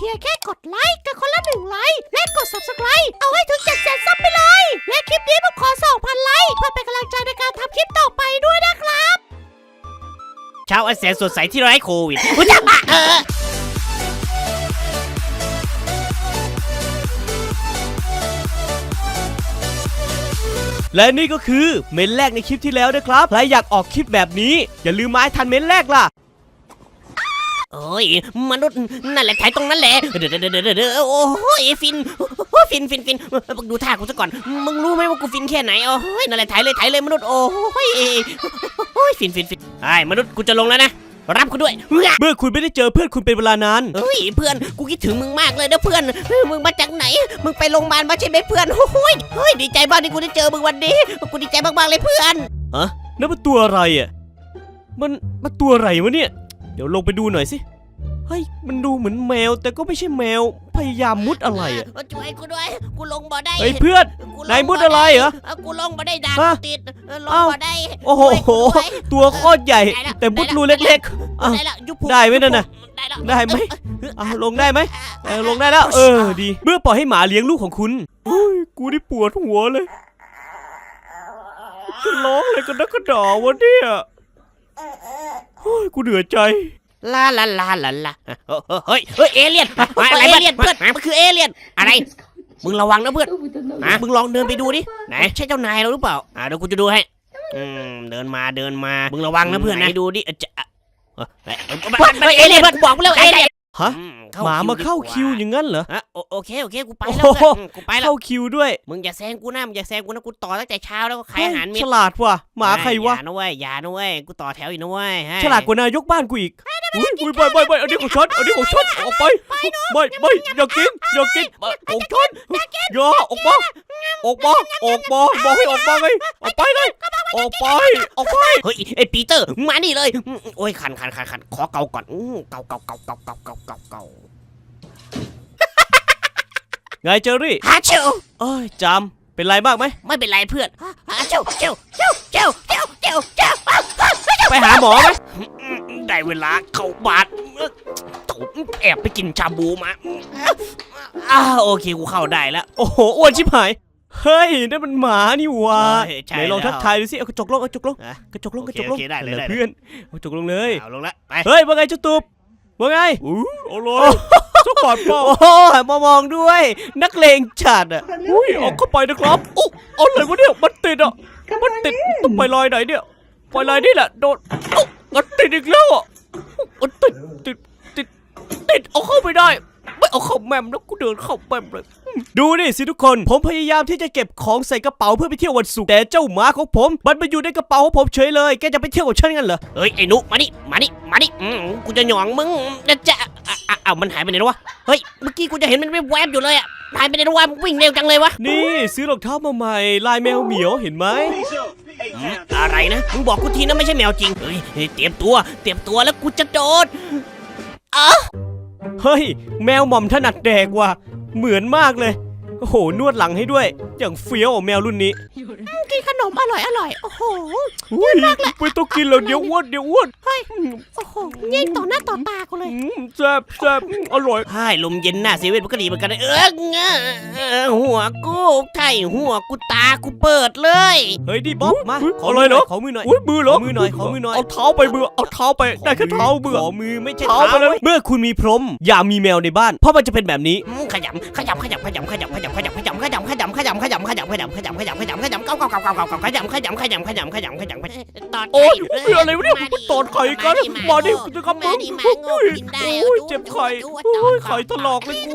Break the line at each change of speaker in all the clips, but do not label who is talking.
พียงแค่กดไลค์กันคนละ1 ไลค์และกด Subscribe เอาให้ถึง700,000 ซับไปเลยและคลิปนี้ผมขอ 2,000 ไลค์เพื่อเป็นกำลังใจในการทำคลิปต่อไปด้วยนะครับ
เช้าอันแสนสดใสที่ไร้โควิดและนี่ก็คือเมนแรกในคลิปที่แล้วนะครับใครอยากออกคลิปแบบนี้อย่าลืมมาให้ทันเมนแรกล่ะโอ้ยมนุษย์นั่นแหละถ่ายตรงนั้นแหละเดี๋ยวโอ้ยฟินดูท่ากูซะก่อนมึงรู้ไหมว่ากูฟินแค่ไหนโอ้ยนั่นแหละถ่ายเลยมนุษย์โอ้ยฟินไอ้มนุษย์กูจะลงแล้วนะรับกูด้วยเมื่อคุณไม่ได้เจอเพื่อนคุณเป็นเวลานานเฮ้ยเพื่อนกูคิดถึงมึงมากเลยนะเพื่อนมึงมาจากไหนมึงไปโรงพยาบาลมาใช่ไหมเพื่อนโอ้ยเฮ้ยดีใจมากที่กูได้เจอมึงวันนี้กูดีใจมากๆเลยเพื่อนฮะนั่นมันตัวอะไรอ่ะมันตัวอะไรวะเนี่ยเดี๋ยวลงไปดูหน่อยสิเฮ้ยมันดูเหมือนแมวแต่ก็ไม่ใช่แมวพยายามมุดอะไรอ่ะช่วยกูด้วยกูลงบ่ได้เฮ้ยเพื่อนนายมุดอะไรเหรอกูลงบ่ได้ด่างติดลงบ่ได้โอ้โหตัวโคตรใหญ่แต่มุดรูเล็กๆได้ไหมนั่นน่ะได้ไหมลงได้ไหมลงได้แล้วดีเมื่อปล่อยให้หมาเลี้ยงลูกของคุณกูนี่ปวดหัวเลยร้องอะไรกันนักกระดอวะเนี่ยกูเหนื่อยใจลาเฮ้ยเอเลี่ยนอะไรเอเลี่ยนเพื่อนมันคือเอเลี่ยนอะไรมึงระวังนะเพื่อนมึงลองเดินไปดูดิไหนใช่เจ้านายเราหรือเปล่าเดี๋ยวกูจะดูให้เดินมามึงระวังนะเพื่อนนะดูดิเอเลี่ยนเพื่อนบอกแล้วเอเลี่ยนฮะหมามาเข้าคิวอย่างงั้นเหรอโอเคกูไปแล้วกูไปแล้วเข้าคิวด้วยมึงอย่าแซงกูนะกูต่อตั้งแต่เช้าแล้วก็ขายอาหารเม็ดฉลาดว่ะหมาใครวะอย่านะเว้ยกูต่อแถวอีกนะเว้ยฉลาดกว่านายกบ้านกูอีกอุ้ยไปอันนี้ของฉันออกไปไม่อย่ากินของฉันอย่าออกมาบอกให้ออกมาไงออกไปเลยออกไปเฮ้ยไอ้ปีเตอร์มานี่เลยโอ้ยคันขอเกาก่อนเกาไงเจอรี่ฮาเชลจำเป็นไรมากไหมไม่เป็นไรเพื่อนฮาเชลไปหาหมอไหมได้เวลาเข้าบาดแอบไปกินชาบูมาโอเคกูเข้าได้แล้วโอ้โหอ้วนชิบหายเฮ้ยนั่นมันหมานี่วะไหนลองทักทายดูสิเอากระจกลงได้เลยเพื่อนเอากระจกลงเลยเอาลงแล้วไปเฮ้ยว่าไงเจ้าตุ๊บว่าไงเอาเลยสปอร์ตเปล่ามามองด้วยนักเลงจัดอ่ะเอาเข้าไปนะครับเอาเลยวะเนี่ยมันติดต้องไปลอยไหนเนี่ยไปลอยนี่แหละโดนมันติดอีกแล้วอ่ะติดเอาเข้าไปได้ไม่เอาเข้าแมมแล้วกูเดินเข้าแมมเลยดูนี่สิทุกคนผมพยายามที่จะเก็บของใส่กระเป๋าเพื่อไปเที่ยววันศุกร์แต่เจ้าหมาของผมมันมาอยู่ในกระเป๋าของผมเฉยเลยแกจะไปเที่ยวกับฉันกันเหรอเฮ้ยไอ้นุมานี่กูจะหยองมึงจะมันหายไปไหนวะเฮ้ยเมื่อกี้กูจะเห็นมันแวบอยู่เลยอ่ะหายไปไหนวะวิ่งเร็วจังเลยวะนี่ซื้อรองเท้ามาใหม่ลายแมวเหมียวเห็นไหมอะไรนะมึงบอกกูทีนะไม่ใช่แมวจริงเฮ้ยเตรียมตัวแล้วกูจะโดดเฮ้ยแมวหม่อมถนัดแดกว่ะเหมือนมากเลยโอ้โหนวดหลังให้ด้วยอย่างเฟี้ยวแมวรุ่นนี้
กินขนมอร่อยโอ้โห
มากเลยไม่ต้องกินแล้วเดี๋ยวอ้วน
เฮ้ยโอ้โหยิงต่อหน้าต่อตากูเลย
แซ่บอร่อยใช่ลมเย็นหน้าเซเว่นมันก็ดีเหมือนกันหัวกูไข่หัวกูตากูเปิดเลยเฮ้ยดิบ๊อบมาขอเลยเหรอขอมือหน่อยมือเหรอมือหน่อยเอาเท้าไปเบื่อเอาเท้าไปได้แค่เท้าเบื่อขอมือไม่ใช่เท้าไปเลยเมื่อคุณมีพรหมอย่ามีแมวในบ้านเพราะมันจะเป็นแบบนี้ขยำตอดโอ้ยอะไรวะเนี่ยตอดไข่กันมาดิจะกำมึงเจ็บไข่ไข่ถลอกเลย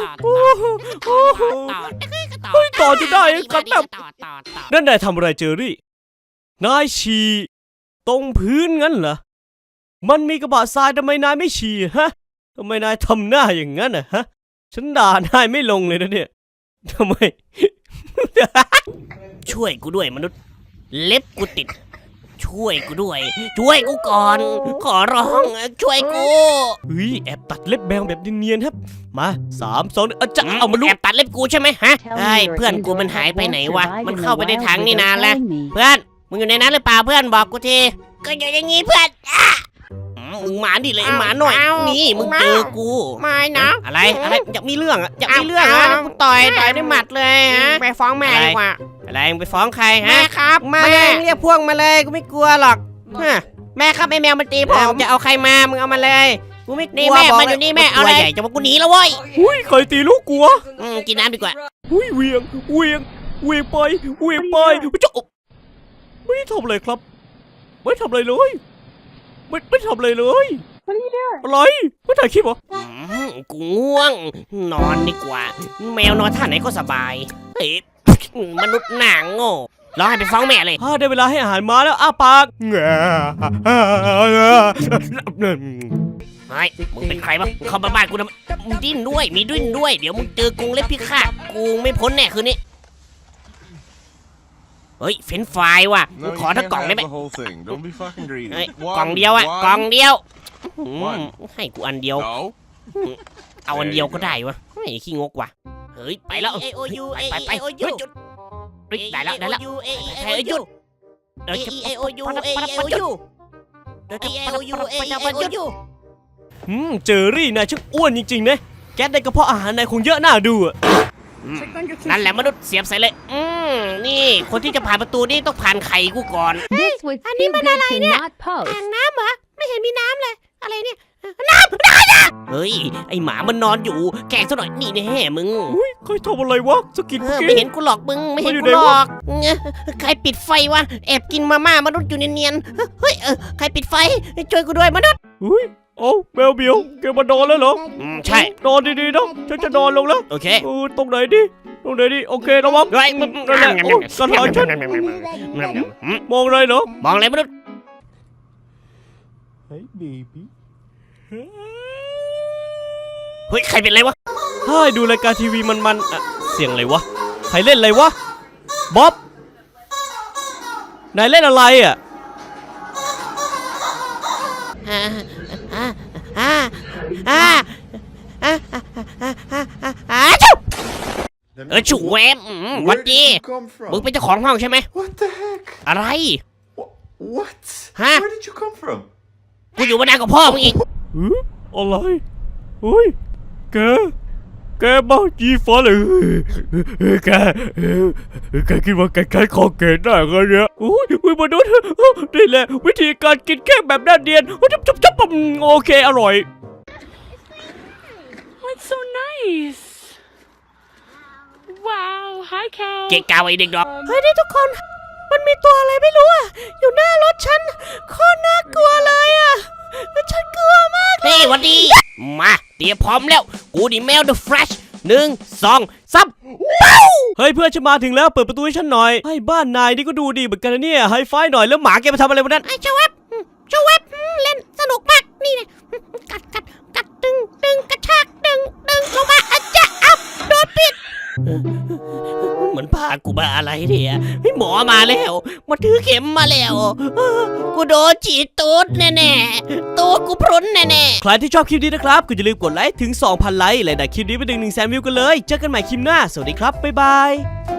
กูต่อจะได้กันแบบนั่นนายทำอะไรเจอรี่นายฉี่ตรงพื้นงั้นเหรอมันมีกระบะทรายทำไมนายไม่ฉี่ฮะทำไมนายทำหน้าอย่างนั้นฮะฉันด่านายไม่ลงเลยนะเนี่ยทำไม ช่วยกูด้วยมนุษย์เล็บกูติดช่วยกูด้วยช่วยกูก่อนขอร้องช่วยกูเฮ้ยแอบตัดเล็บแมวแบบเนียนๆครับมา3 2จะเอามาลูกแอบตัดเล็บกูใช่ไหมฮะไอ้เพื่อนกูมันหายไปไหนวะมันเข้าไปในถังนี่นานแล้วเพื่อนมึงอยู่ในนั้นหรือเปล่าเพื่อนบอกกูทีก็อย่างงี้เพื่อนมึงมาดิเลยหมาหน่อยนี่มึงเจอกู
ไม่นะ
อะไรอยากมีเรื่องอะอยากมีเรื่อง
อ่ะ
อะ
กูต่อยด้วยหมัดเลยฮะไปฟ้องแม่ดีกว่า
อะไรมึงไปฟ้องใคร
แม่
ฮะ
ครับ
มาเลยเรียกพวกมาเลยกูไม่กลัวหรอกฮะ
แม่ครับไอ้แมวมันตีผม
จะเอาใครมามึงเอามาเลยกูไม่กลัว
นี่แม่
บก
มันอยู่นี่แม่เอาเลย
ตัวใหญ่จะมากูหนีแล้วเว้ย
อุ้ยใครตีลูกกูวะ
กินน้ำดีกว่า
อุ้ยเวียงไปเวียงไปจะไม่ได้ทำอะไรครับ ไม่ทำอะไรเลยไม่ทำอะไรเลยอะไรไม่ถ่ายคลิปเหรอ
กูง่วง นอนดีกว่า แมวนอนท่าไหนก็สบายเฮ้ยมนุษย์หนังโง่รอให้ไปฟ้องแม่เลย
ได้เวลาให้อาหารม้าแล้วอ้าปาก
เฮ้ยมึงเป็นใครวะมึงเข้ามาบ้านกูทำไมมึงดิ้นด้วยมีดิ้นด้วยเดี๋ยวมึงเจอกรงเล็บพิฆาตกูไม่พ้นแน่คืนนี้เฮ้ยเฟรนช์ฟรายว่ะกู
No,
ขอ
you
ทั้ง
can't
กล่องได้
have
ไหม
the whole thing. Don't be fucking greedy.
เฮ้ย
One,
กล่องเดียวอะ
one.
กล่องเดียว
One.
ให้กูอันเดียว
No.
เอาอันเดียวก็ได้วะไอ้ขี้งกว่ะเฮ้ยไปแล้วไปหยุดได้แล้วหยุด
เจอรี่นายช่างอ้วนจริงๆนะแก๊สในกระเพาะอาหารนายคงเยอะน่าดูอ่ะ
นั่นแหละมนุษย์เสียบใส่เลยนี่คนที่จะผ่านประตูนี่ต้องผ่านไข่กูก่อน
This would
anh
too
đi bên
good
này
to
nè.
not post.
อ่างน้ำเหรอไม่เห็นมีน้ำเลยอะไรเนี่ย
เฮ้ยไอหมามันนอนอยู่แกล้งซะหน่อยนี่แน่มึง
อุ้ยใครทำอะไรวะสกินเมื่อ
ไม่
กี้
เห็นกูหรอกมึงไม่เห็น
มันอยู่
กู
ไหน
หร
วะ
อกใครปิดไฟวะแอบกินมาม่ามนุษย์อยู่เนียนๆเฮ้ยใครปิดไฟช่วยกูด้วยมนุษย์
อุ้ยโอ้แมวเบียวแกมานอนแล้วเหรอ
ใช่
นอนดีๆนะฉันจะนอนลงแล้ว
โอเค
ตรงไหนดิโอเคระวัง
เฮ้ย
นั่นแหละโอ้ยสถานฉันมองอะไรเหรอ
มองอะไรมนุษย์
เฮ้ยเบบี้
เฮ้ยใครเป็นอะไรวะ
ให้ดูรายการทีวีมันๆอะเสียงอะไรวะใครเล่นอะไรวะบ๊อบนายเล่นอะไรอ่ะ
ฉุกแวมวัน
Where
ดี
did you come from?
มึงเป็นเจ้าของห้องใช่ไหม
What the heck?
อะไร
What?
Huh?
Where did you come from?
กูอยู่มานานกว่าพ่อมึงอีก
อะไรเฮ้ยแกบ้าจีฟ้าเลยแกคิดว่าแกใช้คอเกตได้กันเนี่ยอุ้ยมนุษย์นี่แหละวิธีการกินแค่แบบน่าเดียนจับโอเคอร่อย
That's so nice. Wow. Hi, Cal.
เกะกาวไอ้เด็กดอก
เฮ้ยนี่ทุกคนมันมีตัวอะไรไม่รู้อ่ะอยู่หน้ารถฉันโคตรน่ากลัวเลยอ่ะฉันกลัวมาก
เฮ้ยวันดี มาเตรียมพร้อมแล้ว กูนี่แมว The Flash 1 2 3
เฮ้ยเพื่อนฉันมาถึงแล้วเปิดประตูให้ฉันหน่อยให้บ้านนายนี่ก็ดูดีเหมือนกันนะเนี่ยไฮไฟหน่อยแล้วหมาแกมาทำอะไรวันนั้น
ไอ้เจ้าเว็บเล่นสนุกมากนี่นะกัดดึงกระชากดึงลงมาอาจจะอัพโดนปิด
เหมือนพากูมาอะไรเนี่ยเฮ้ยหมอมาแล้วมาถือเข็มมาแล้วกูโดนฉีดตูดแน่ๆตูดกูพรุนแน่ๆ
ใครที่ชอบคลิปนี้นะครับก็อย่าลืมกดไลค์ถึง 2,000 ไลค์และดันคลิปนี้ไปถึง 100,000 วิวกันเลยเจอกันใหม่คลิปหน้าสวัสดีครับบ๊ายบาย